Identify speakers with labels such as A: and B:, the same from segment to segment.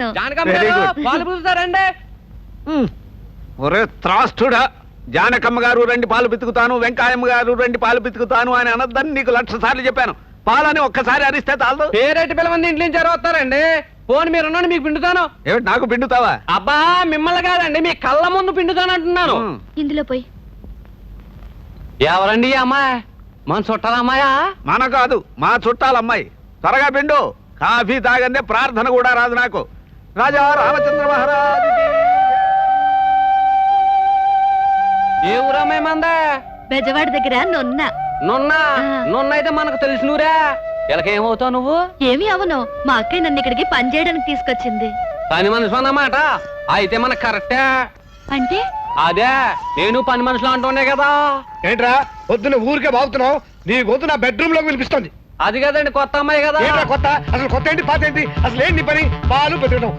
A: పితుకుతాను.
B: పాలు పితుకుతారండి.
C: ఒరే త్రాష్టుడా, జానకమ్మ గారు రండి పాలు పితుకుతాను, వెంకాయమ్మ గారు రండి పాలు పితుకుతాను అని అనద్దని నీకు 1,00,000 సార్లు చెప్పాను. పాలని ఒక్కసారి అరిస్తే చాలదు.
B: పేరెట్టి పిల్లమంది ఇంట్లో నుంచి వస్తారండి. ఫోన్ మీరున్నాను, మీకు పిండుతాను.
C: ఏమిటి నాకు పిండుతావా?
B: అబ్బా మిమ్మల్ని కాదండి, మీ కళ్ళ ముందు పిండుతాను అంటున్నాను.
A: ఇందులో పోయి.
B: ఎవరండి ఈ అమ్మాయి? మన చుట్టాల అమ్మాయా?
C: మన కాదు, మా చుట్టాలమ్మాయి. త్వరగా పిండు. కాఫీ తాగందే ప్రార్థన కూడా రాదు నాకు. రాజా రామచంద్ర మహారాజ్.
B: ఏ ఊరమ్మాయి మందా?
A: బెజవాడి దగ్గర నొన్న.
B: నున్న అయితే మనకు తెలిసినూరా. ఇలాకేమవుతావు నువ్వు?
A: ఏమి అవును, మా అక్కయ్య నన్ను ఇక్కడికి పని చేయడానికి తీసుకొచ్చింది.
B: పని మనుషులు అన్నమాట. అయితే మనకు కరెక్టే.
A: అంటే
B: అదే నేను పని మనుషులు అంటుండే కదా.
D: ఏంట్రా పొద్దున్న ఊరికే బాగుతున్నావు? నీ గొంతు నా బెడ్రూమ్ లోకి వినిపిస్తుంది.
B: అది కదండి కొత్త అమ్మాయి కదా.
D: ఏంట్రా కొత్త? అసలు కొత్త ఏంటి పాత ఏంటి? అసలు ఏంటి నీ పని? పాలు పెతకడం.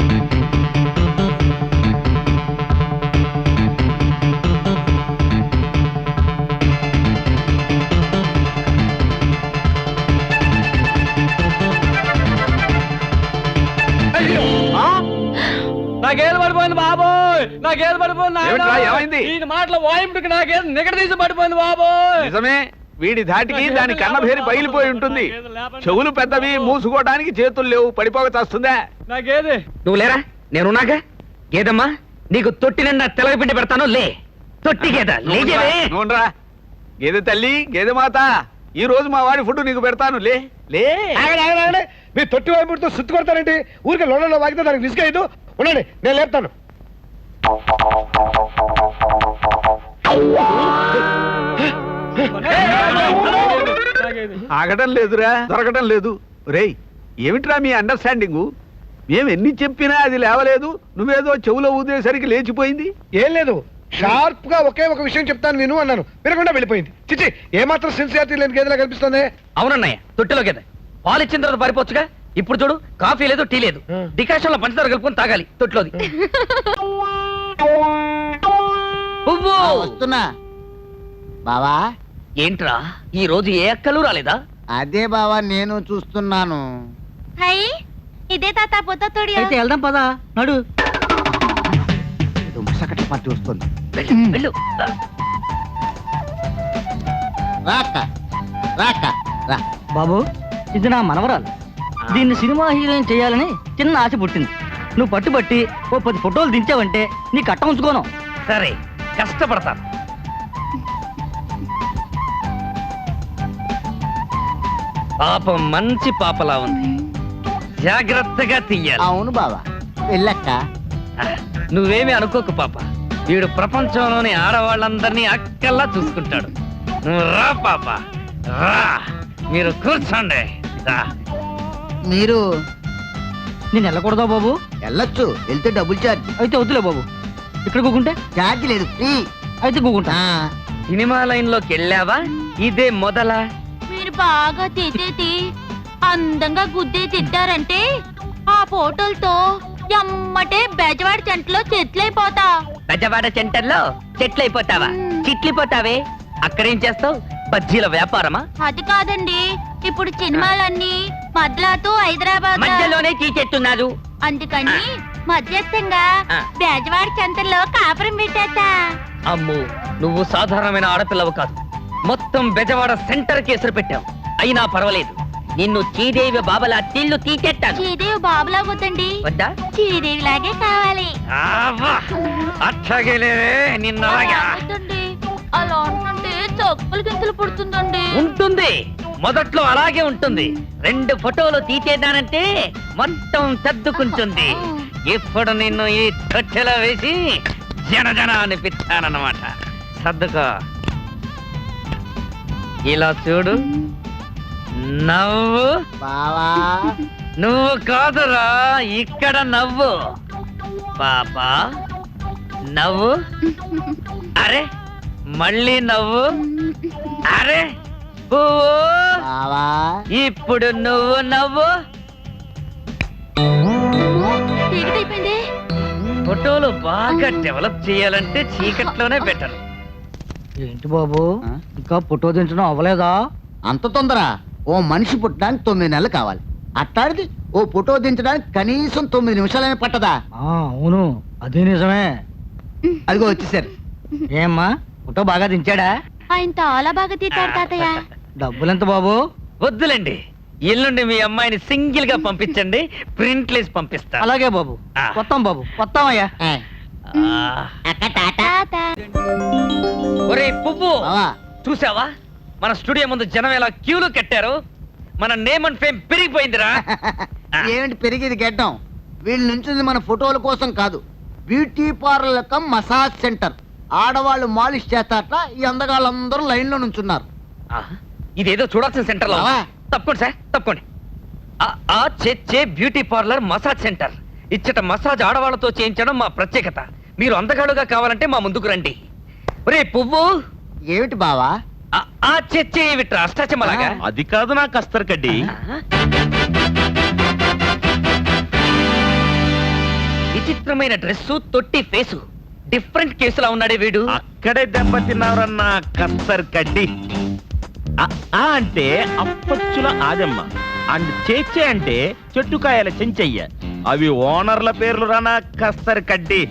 B: నాకేది పడిపోయింది బాబోయ్, నాకేది పడిపోయింది.
C: ఏమిట్రా, ఏమైంది?
B: ఈ మాటల వాయింపుకి నాకేది నిగడ తీసి పడిపోయింది బాబోయ్.
C: నిజమే, వీడి ధాటికి దాని కన్నభేరి పగిలిపోయి ఉంటుంది. చెవులు పెద్దవి, మూసుకోవడానికి చేతులు లేవు, పడిపోక చేస్తుందా?
B: నాకేది
E: నువ్వు లేరా? నేనున్నాగా. గేదమ్మా, నీకు తొట్టి నిండా తెలగపిండి పెడతాను. లే తొట్టి గేద లేజేవే.
C: నూనరా గేదె తల్లి, గేదె మాత, ఈ రోజు మా వాడి ఫుడ్ నీకు పెడతాను. లే లే.
D: మీ తొట్టి వైపుతో సుత్తు కొడతారేంటి? ఊరికే లోడలో వాగితే దానికి రిస్క్ అయ్యదు. ఉండండి, నేను లేపుతాను.
C: ఆగటం లేదురా, దొరకటం లేదు. రేయ్, ఏమిట్రా మీ అండర్స్టాండింగు? మేము ఎన్ని చెప్పినా అది లేవలేదు, నువ్వేదో చెవులో ఊదేసరికి లేచిపోయింది.
D: ఏం లేదు, షార్ప్ గా ఒకే ఒక విషయం చెప్తాను విను అన్నాను, వినకుండా వెళ్ళిపోయింది. చిచ్చి, ఏమాత్రం సిన్సియారిటీ లేని గేదెలా కనిపిస్తుంది.
E: అవునన్నయ్య, తొట్టిలో గేద పాలు ఇచ్చిన తర్వాత పారిపోవచ్చుగా. ఇప్పుడు చూడు, కాఫీ లేదు, టీ లేదు, డికాషన్ లో పంచదార కలుపుకొని తాగాలి తొట్టిలోది.
F: వస్తున్నా బావా.
E: ఏంట్రా ఈ రోజు ఏ అక్కలు రాలేదా?
F: అదే బావా నేను చూస్తున్నాను.
A: హై, ఇదే తాత పొద్దుడి.
E: అయితే వెళ్దాం పదా, నడు.
F: ఏదో ముసకట పార్టీ వస్తుంది.
E: వెళ్ళు.
F: రాక రాక రా.
G: బాబు, ఇది నా మనవరాలు. దీన్ని సినిమా హీరోయిన్ చేయాలని చిన్న ఆశ పుట్టింది. నువ్వు పట్టుబట్టి ఓ 10 ఫోటోలు దించావంటే నీ కట్ట ఉంచుకోను.
E: సరే, కష్టపడతాను. పాపం మంచి పాపలా ఉంది, జాగ్రత్తగా తీయాలి.
F: అవును బావా, వెళ్ళక్క.
E: నువ్వేమీ అనుకోకు పాప, వీడు ప్రపంచంలోని ఆడవాళ్ళందరినీ అక్కల్లా చూసుకుంటాడు. నువ్వు రా పాప, రా. మీరు కూర్చోండి. రా.
F: మీరు
G: నేను వెళ్ళకూడదా బాబు?
F: వెళ్ళొచ్చు, వెళ్తే డబుల్ ఛార్జ్.
G: అయితే వద్దులే బాబు, ఇక్కడ కూకుంటే.
F: ఛార్జ్ లేదు, ఫ్రీ.
G: అయితే కూకుంటా.
E: సినిమా లైన్ లోకి వెళ్ళావా? ఇదే మొదలా?
A: మీరు బాగా తిట్టేది అందంగా గుద్దే తిట్టారంటే ఆ ఫోటోలతో ఎమ్మటే బెజవాడి చెంటలో చెట్లైపోతా.
E: బెజవాడ సెంటర్లో చెట్లయిపోతావా? చిట్లిపోతావే. అక్కడేం చేస్తావు? బజ్జీల వ్యాపారమా?
A: అది కాదండి, ఇప్పుడు సినిమాలన్నీ మద్లాతో హైదరాబాద్
E: మధ్యలోనే తీసేస్తున్నారు.
A: అందుకని మధ్యస్థంగా
E: ఆ.
A: బెజవాడి చెంతల్లో కాపురం పెట్టేస్తా.
E: అమ్ము, నువ్వు సాధారణమైన ఆడపిల్లవు కాదు. మొత్తం బెజవాడ సెంటర్ కేసులు పెట్టావు. అయినా పర్వాలేదు, నిన్ను చీదేవి బాబలా తిల్లు తీసేస్తాను.
A: శ్రీదేవి బాబులా వద్దండి,
E: వద్దా?
A: శ్రీదేవి లాగే కావాలి.
E: అట్లాగేలేవే నిన్నలాగా
A: వద్దండి, అలా ఉంటుంటే చొప్పులు గింతలు పుడుతుందండి.
E: ఉంటుంది. మొదట్లో అలాగే ఉంటుంది. 2 ఫోటోలు తీసేదానంటే మొత్తం సర్దుకుంటుంది. ఇప్పుడు నిన్ను ఈ తొట్టెలో వేసి జన అనిపిస్తానన్నమాట. సర్దుకో. ఇలా చూడు, నవ్వు.
F: బావా
E: నువ్వు కాదురా, ఇక్కడ నవ్వు. పాపా నవ్వు. అరే మళ్ళీ నవ్వు. అరే పువ్వు.
F: బావా
E: ఇప్పుడు నువ్వు నవ్వు.
A: చీకటైపోయింది.
E: ఫోటోలు బాగా డెవలప్ చేయాలంటే చీకట్లోనే బెటర్.
G: ఏంటి బాబు, ఇంకా ఫోటో దించడం అవ్వలేదా?
F: అంత తొందర? ఓ మనిషి పుట్టడానికి 9 నెలలు కావాలి. అట్టాడిది ఓ ఫోటో దించడానికి కనీసం 9 నిమిషాలనే పట్టదా?
G: అవును అదే నిజమే.
F: అదిగో వచ్చేసారు.
G: ఏమ్మా ఫోటో బాగా దించాడా?
A: ఆయన చాలా బాగా తీతాడు తాతయ్య.
G: డబ్బులెంత బాబు?
E: వద్దులండి, ఎల్లుండి మీ అమ్మాయిని సింగిల్ గా పంపించండి, ప్రింట్లేసి పంపిస్తా.
G: అలాగే బాబు. వస్తాం బాబు, వస్తామయ్యా.
A: తాత
E: ఒరే పువ్వు,
F: బావా,
E: చూసావా మన స్టూడియో ముందు జనం ఎలా క్యూలు కట్టారు? మన నేమ్ అండ్ ఫేమ్ పెరిగిపోయిందిరా.
F: ఏమిటి పెరిగేది గెడ్డం? వీళ్ళు నుంచింది మన ఫోటోల కోసం కాదు, beauty parlour cum massage centre. ఆడవాళ్ళు మాలిష్ చేస్తారట, ఈ అందగాళ్ళందరూ లైన్ లో నుంచున్నారు.
E: ఆ, ఇదేదో చూడాల్సిన సెంటర్ లో.
F: బావా.
E: తప్పకోండి సార్, తప్పకోండి. ఆ చే బ్యూటీ పార్లర్ మసాజ్ సెంటర్. ఇచ్చట మసాజ్ ఆడవాళ్ళతో చేయించడం మా ప్రత్యేకత. మీరు అందగాడుగా కావాలంటే మా ముందుకు రండి. ఒరే పువ్వు,
F: ఏమిటి బావా?
E: ఆ చే విట్రా అష్టాచమలాగా.
C: అది కాదు నా కస్తర్ కడ్డి.
E: విచిత్రమైన డ్రెస్సు, తొట్టి ఫేసు, డిఫరెంట్ కేసులా ఉన్నాడే వీడు.
C: అక్కడే దెబ్బతిన్నారన్న కస్తర్ కడ్డి. ఆ అంటే అప్పచ్చుల ఆదమ్మ అండ్ చేచే అంటే చెట్టుకాయల చెంచయ్య. అవి ఓనర్ల పేర్లు రానా కస్తర్ కడ్డి.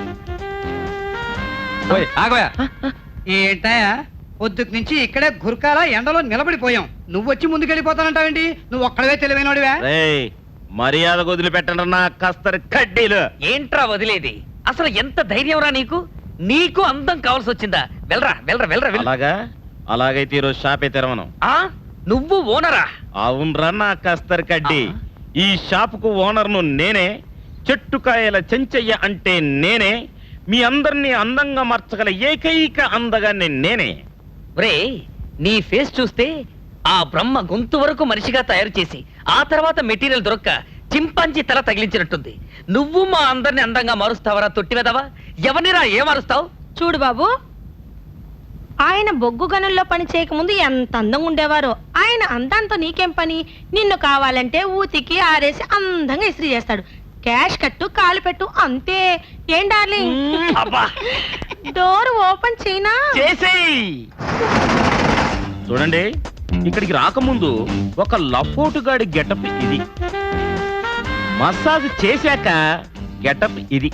B: ఆగోయా,
H: ఏంటయా పొద్దుకు నుంచి ఇక్కడే గురకాల ఎండలో నిలబడిపోయాం. నువ్వు వచ్చి ముందుకెళ్ళిపోతానంటావేంటి? నువ్వు ఒక్కడవే తెలివైనడివా?
C: రేయ్, మర్యాద వదిలిపెట్టండి నా కస్తర్ కడ్డీలు.
E: ఏంట్రా వదిలేది? అసలు ఎంత ధైర్యం రా నీకు? నీకు అందం కావాల్సి వచ్చిందా? వెళ్ళరా వెళ్ళరా వెళ్ళరా వెళ్ళు.
C: అలాగా? అలాగైతే ఈరోజు షాపే తెరవను.
E: ఆ నువ్వు ఓనరా?
C: అవునరా నా కస్తర్ కడ్డి. ఈ షాపుకు ఓనర్ను నేనే. చెట్టుకాయల చెంచయ్య అంటే నేనే. మీ అందరినీ అందంగా మార్చగల ఏకైక అందగాన్ని నేనే.
E: ఒరే, నీ ఫేస్ చూస్తే ఆ బ్రహ్మ గొంతు వరకు మనిషిగా తయారు చేసి ఆ తర్వాత మెటీరియల్ దొరక్క చింపాంజీ తల తగిలించినట్టుంది. నువ్వు మా అందరిని అందంగా మారుస్తావరా తొట్టివెదవా? ఎవరినిరా ఏ మారుస్తావు?
A: చూడు బాబు, ఆయన బొగ్గు గనుల్లో పని చేయకముందు ఎంత అందంగా ఉండేవారో. ఆయన అందంతో నీకేం పని? నిన్ను కావాలంటే ఊతికి ఆరేసి అందంగా ఇస్త్రీ చేస్తాడు. క్యాష్ కట్టు, కాలు పెట్టు, అంతే. ఏం డార్లింగ్?
E: అబ్బా,
A: డోర్ ఓపెన్ చేయనా?
E: చేసేయ్.
C: చూడండి, ఇక్కడికి రాకముందు ఒక లఫోటుగాడి గెటప్ ఇది. మసాజ్ చేశాక గెటప్ ఇది.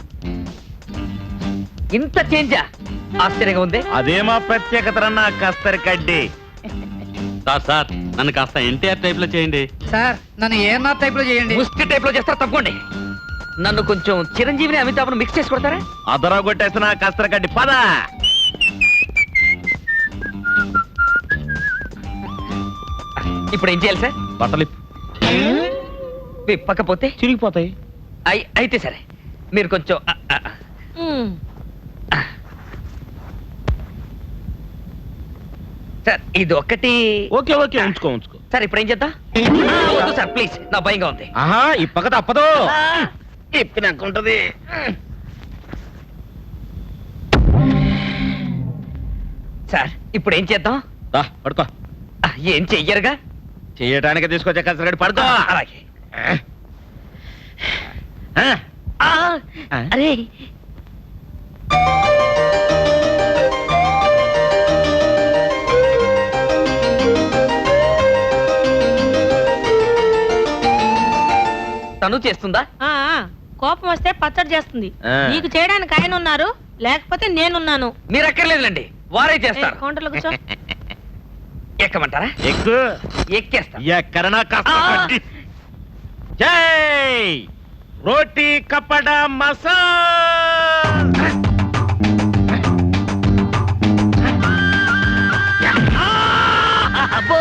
E: ఇంత చేంజా? ఆశ్చర్యంగా ఉంది.
C: అదే మా ప్రత్యేకత నా కస్తర్ కడ్డి.
B: సార్ నన్ను కాస్త ఎన్టీఆర్ టైప్ లో చేయండి.
H: సార్ నన్ను ఏఎన్ఆర్ టైప్ లో చేయండి.
E: ముష్టి టైప్ లో చేస్తారు, తప్పకోండి. నన్ను కొంచెం చిరంజీవిని అమితాబ్ను మిక్స్ చేసి కొడతారా?
C: అదరా కొట్టేసిన కస్తర్ కడ్డి పద.
E: ఇప్పుడు ఏం చేయాలి సార్?
C: బట్టలు
E: విప్పకపోతే
C: చిరిగిపోతాయి.
E: అయితే సరే, మీరు కొంచెం
A: మ్మ్.
E: సార్ ఇది ఒక్కటి.
C: ఓకే ఓకే, ఉంచుకో.
E: సార్ ఇప్పుడు ఏం చేద్దాం? వద్దు సార్ ప్లీజ్, నా భయంగా ఉంది.
C: ఆహా, ఇప్పక తప్పదు. ఇప్పినాకుంటది.
E: సార్ ఇప్పుడు ఏం చేద్దాం?
C: పడుకో.
E: ఏం చెయ్యరుగా?
C: చేయటానికి తీసుకొచ్చే కస్తర్ కడ్డి పడుకో.
E: అలాగే. అరే తను చేస్తుందా?
A: కోపం వస్తే పచ్చడి చేస్తుంది.
C: ఆ.
A: నీకు చేయడానికి ఆయన ఉన్నారు, లేకపోతే నేనున్నాను.
E: మీరు ఎక్కర్లేదులేండి, వారే చేస్తారు.
A: కౌంటర్లో కూర్చో.
E: ఎక్కమంటారా?
C: ఎక్కు.
E: ఎక్కేస్తా.
C: ఎక్కడనా కస్తర్ కడ్డి. జై రోటీ కపడా మసాజ్.
E: అబ్బో.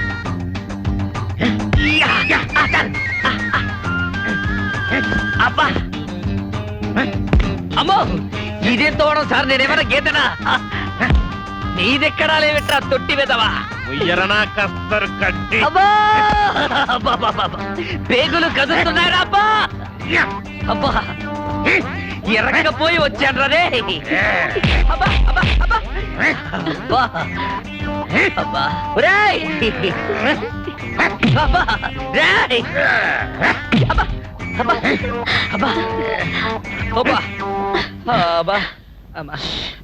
E: అబ్బా, అమ్మో, ఇదేం తోవడం సార్? నేనేమైనా గీతనా? నీదెక్కడా లేవిట్రా తొట్టి వెదవా.
C: ఉయ్యరనా కస్తర్ కడ్డి.
E: అబ్బా, అబ్బా, పేగులు కదులుతున్నాయరా అబ్బా. అబ్బా, ఎరగపోయి వచ్చాను రే. అబ్బా అబ్బా అబ్బా అబ్బా అబ్బా, ఒరేయ్. అబ్బా, రేయ్. అబ్బా అబ్బా అబ్బా అబ్బా అబ్బా అమ్మా.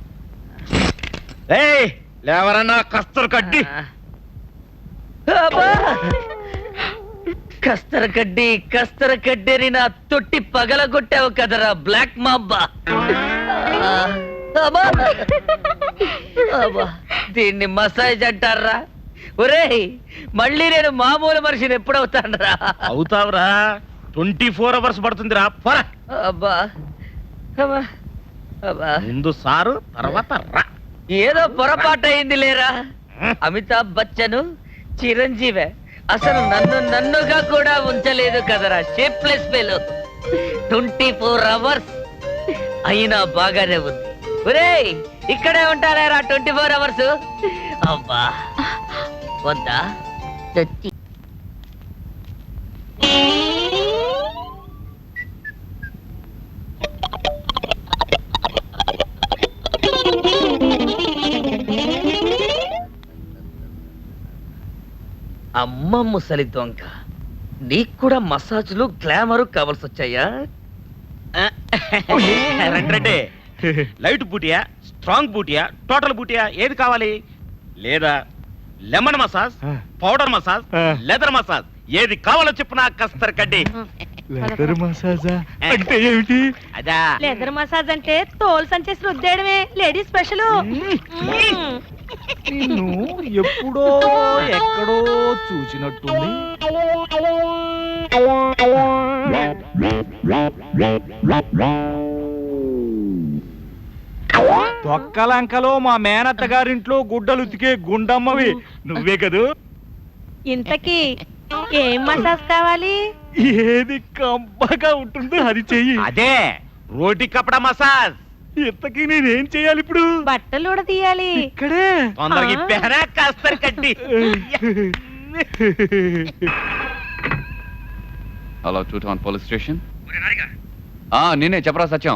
C: ఏయ్, లేవరన్నా కస్తర్ కడ్డి.
E: అబ్బా కస్తర కడ్డేని నా తొట్టి పగలగొట్టావు కదరా బ్లాక్ మాబ్బా. అబ్బా. అబ్బా. దీన్ని మసాజ్ అంటారా? ఒరేయ్, మళ్ళీ నేను మామూలు మనిషిని ఎప్పుడవుతానరా?
C: అవుతావురా, 24 అవర్స్ పడుతుందిరా. పోరా.
E: అబ్బా అబ్బా అబ్బా.
C: ముందు సారు, తర్వాత రా.
E: ఏదో పొరపాటు అయింది లేరా. అమితాబ్ బచ్చన్ చిరంజీవి అసలు నన్నుగా కూడా ఉంచలేదు కదరా షేప్లెస్ ఫెలో. 24 అవర్స్ అయినా బాగానే ఉంది. ఒరేయ్, ఇక్కడే ఉంటారా 24 అవర్స్? అబ్బా వద్దా? అమ్మ ముసలి దొంగ, నీకు కూడా మసాజ్లు గ్లామరు కావాల్సి వచ్చాయా?
C: రండి. లైట్ బూటియా, స్ట్రాంగ్ బూటియా, టోటల్ బూటియా, ఏది కావాలి? లేదా lemon massage, powder massage, leather massage, ఏది కావాలో చెప్పు నా కస్తర్ కడ్డి.
D: లెదర్ మసాజా అంటే ఏమిటి?
C: అదా
A: లెదర్ మసాజ్ అంటే తోలు సంచేసి రుద్దేయడమే, లేడీస్ స్పెషల్.
D: నిన్ను ఎప్పుడో ఎక్కడో చూసినట్టుంది. తొక్కలంకలో మా మేనత్త గారింట్లో గుడ్డలు ఉతికే గుండమ్మవి నువ్వే కదూ?
A: ఇంతకీ ఏం మసాజ్ కావాలి?
D: ఏది కంపగా ఉంటుందో అది చెయ్యి.
C: అదే రోటి కపడా మసాజ్.
D: ఇంతకీ నేనేం చెయ్యాలి ఇప్పుడు?
A: బట్టలు కూడా తీయాలి.
D: ఇక్కడే
C: తొందరగా ఇప్పేరా కస్తర్ కడ్డి.
B: Hello, 2 town police station. నేనే చెప్పరా సత్యం.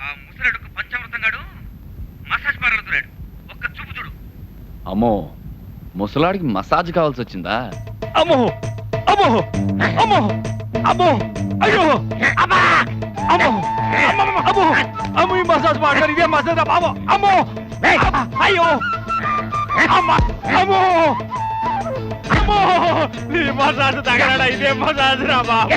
B: అమ్మో, ముసలాడికి మసాజ్ కావాల్సి వచ్చిందా?
D: అమ్మో అమ్మో అమ్మో అమ్మో అయ్యో అమ్మా అమ్మో అమ్మో అమ్మో ఈ మసాజ్ మాట్లాడి ఇదే మసాజ్ బాబు. అమ్మో అయ్యో అమ్మా అమ్మో అమ్మో ఈ మసాజ్ తగలడా? ఇదే మసాజ్ రా బాబు.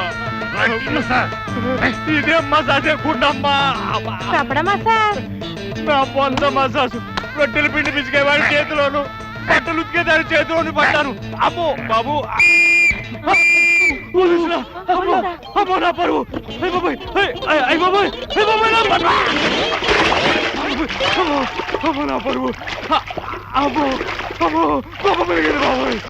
D: ఇదే మసాజ్ గుండమ్మా.
A: కపడ మసాజ్.
D: నా పొంద మసాజ్ రొట్టెలు పిండి పిసికేవాడి చేతిలోను, బట్టలు ఉతికేదాని చేతిలోను పడ్డాను. అమ్మో బాబు. అమ్మో నా పరువు. అయ్య బాబాయ్, అయ్య బాబాయ్, అయ్య బాబాయ్ నా పరువు. అమ్మో నా పరువు. అమ్మో అమ్మో బాబు పెరిగింది బాబాయ్.